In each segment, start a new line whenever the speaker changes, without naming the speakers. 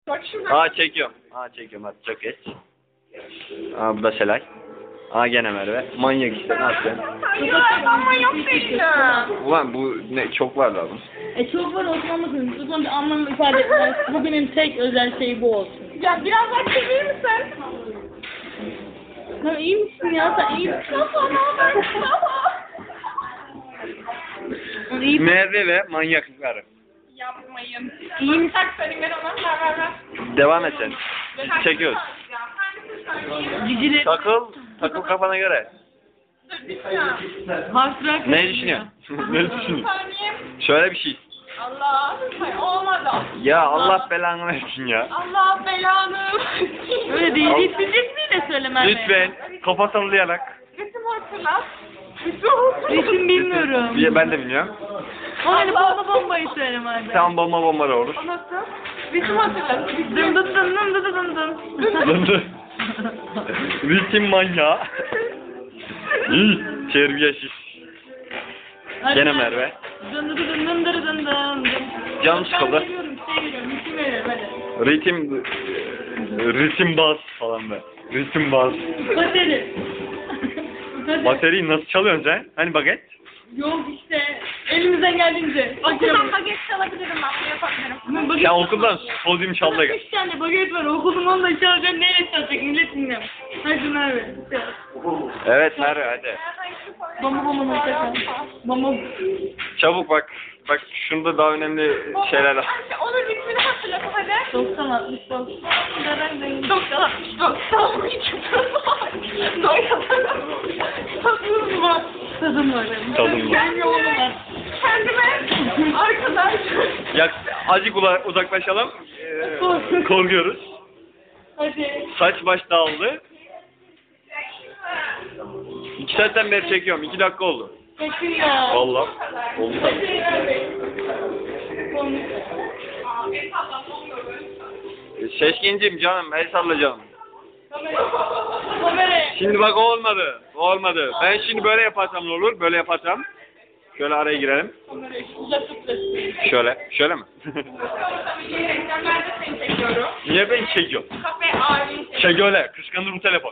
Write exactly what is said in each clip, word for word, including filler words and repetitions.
Bak şurada.
Aa çekiyorum. Aa çekiyorum hadi çok geç. Aa bu da Selay. Aa gene Merve. Manyak işte ne yapacaksın?
Ama yok benim.
Ulan bu ne çok var lazım.
E çok var Osman bakın. Osman bir anlam ifade etmez. Bugünün tek özel şeyi bu olsun.
Ya biraz daha çevirir misin?
Sen iyi misin ya? Sen iyi misin?
Mustafa ne haber Mustafa?
Sen iyi misin?
Merve ve manyaklıkları.
Yapmayın.
İyi misin?
Tak senin ver ona. Ver ver ver.
Devam et sen. Biz çekiyoruz.
Ya hangisini söyleyeyim?
Cicileri.
Takıl. Takıl kafana göre.
Dur bir saniye.
Harfler
Ne düşünüyorsun? ne düşünüyorsun?
Saniye.
Şöyle bir şey.
Allah. Hayır, olmadı.
Ya Allah belanı versin ya.
Allah belanı.
Öyle değil. Hiçbir söylemem.
Lütfen kafa sallayarak.
Resim hatırlat. Resim hatırlat.
Resim bilmiyorum.
Ya ben de bilmiyorum.
O hani bomba bombayı söyleme hadi.
Tamam bomba bomba da olur.
O nasıl? Resim hatırlat.
Dın dın dın dın dın dın dın.
Ritim manyağı. İyi. Terbiyesiz.
Hadi
Gene
hadi.
Merve.
Dın dın dın dın dın dın dın dın.
Canım sıkıldı.
Ben geliyorum, şey geliyorum, ritim veriyorum hadi.
Ritim ritim bas falan be. Ritim bas.
Bateri. Bateri.
Bateriyi nasıl çalıyorsun sen? Hani baget?
Yok işte elimizden geldiğince.
Okuldan baget çalabilirim ben. Bunu yapabilirim.
Baget
Sen okuldan sodyum çalda gel.
Üç tane baget var. Okulum onunla çalacak. Neyle çalacak? Millet dinlem. Hadi Merve.
Evet Merve hadi.
Bomba bomba mutlaka. Bomba.
Çabuk bak. Bak şunda daha önemli şeyler var.
Anne, onun ritmini hatırlat hadi.
doksan altmış doksan.
doksan altmış doksan. Tadım var.
Tadım var benim.
Tadım var.
Kendi yolum var.
Kendime arkadaş.
Ya azıcık ula- uzaklaşalım. Ee, korkuyoruz.
Hadi.
Saç baş dağıldı. İki saatten beri çekiyorum. İki dakika oldu.
Çekin ya.
Vallahi. Oldu tabii. Seçkincim canım. El salla canım.
Kameraya.
Şimdi bak o olmadı. O olmadı. Ben şimdi böyle yaparsam ne olur? Böyle yaparsam. Şöyle araya girelim.
Kameraya. Uzak tut resmi.
Şöyle. Şöyle mi?
Ben de seni çekiyorum.
Niye ben çekiyorum?
Kafe ağrıyı
Çek öyle. Kıskanır bu telefon.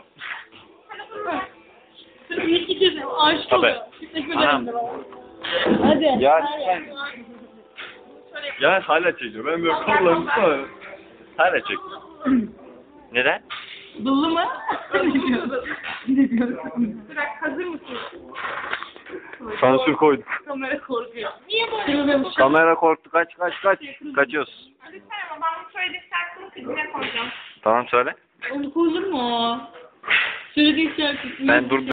İyi ki kızım. Aşık
Tabii.
oluyor. Teşekkür
Anam.
ederim. Hadi.
Ya
Hadi.
sen. Ya hala çekiyor. Ben böyle kollarım sonra. Hala çek. Neden?
Dullu mu? Ne diyorsun? Ne diyorsun?
Bırak, hazır mısın?
Sansür koyduk.
Kamera korkuyor.
Niye böyle?
Kırılıyormuş.
Kamera korktu. Kaç kaç kaç. Kaçıyoruz.
Lütfen ama ben bu söylediği şarkının klibine koyacağım.
Tamam söyle.
Onu koyulur mu? Söylediğin şarkı.
Ben dur